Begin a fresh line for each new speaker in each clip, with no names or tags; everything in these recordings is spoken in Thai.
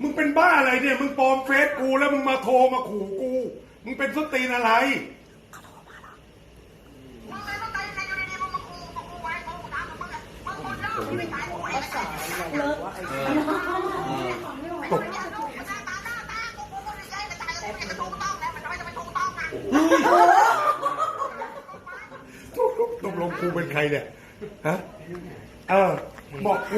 มึงเป็นบ้าอะไรเนี่ยมึงปลอมเฟซกูแล้วมึงมาโทรมาขู่กูมึงเป็นส้นตีนอะไรตกตกลงกูเป็นใครเนี่ยฮะบอกกู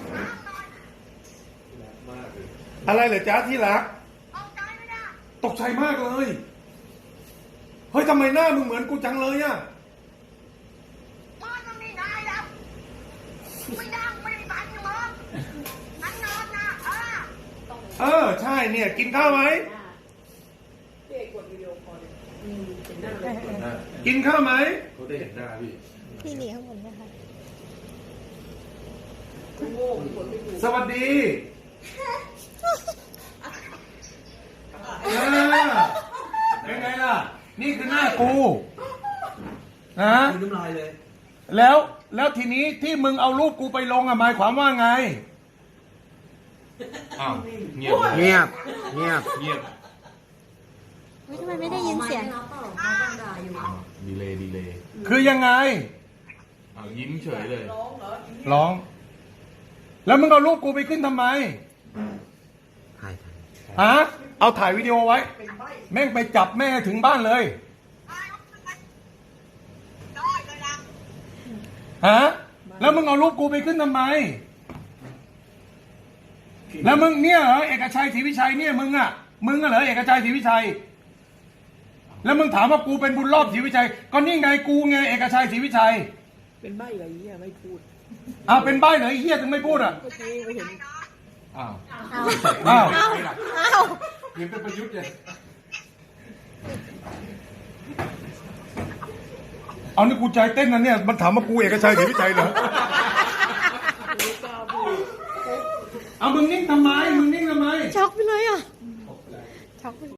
อะไรเหรอจ๊ะที่รักตกใจมากเลยเฮ้ยทำไมหน้ามึงเหมือนกูจังเลยอ่ะใช่เนี่ยกินข้าวไหมกินข้าวไหมเขาได้เห็นหน้าพี่หนีข้างบนนะคะสวัสดีเป็นไงล่ะนี่คือหน้ากูนะแล้วทีนี้ที่มึงเอารูปกูไปลงหมายความว่าไงอ้าวเงียบเงียบเงียบเงียบ
ทำไมไม่ได้ยินเสียง
ดีเลย
คือยังไง
ยิ้มเฉยเลย
ร้องแล้วมึงเอารูปกูไปขึ้นทำไมฮะเอาถ่ายวิดีโอไว้แม่งไปจับแม่ถึงบ้านเลยฮะแล้วมึงเอารูปกูไปขึ้นทำไมแล้วมึงเนี่ยเหรอเอกชัยศรีวิชัยเนี่ยมึงเหรอเอกชัยศรีวิชัยแล้วมึงถามว่ากูเป็นบุญรอบศรีวิชัยก็นี่ไงกูไงเอกชัยศรีวิชัย
เป็นใบ้อะไรเงี้ยไม่พูด
เป็นใบ้เหรอไอ้เหี้ยถึงไม่พูดอ่ะ
ไม่เห็น
เห็นเป็นประยุทธ์เลยเอานี่กูใจเต้นนะเนี่ยมันถามว่ากูเอกชัยศรีวิชัยเหรอมึงนิ่งทำไม
ช็อกไปเลยอ่ะช็อกไป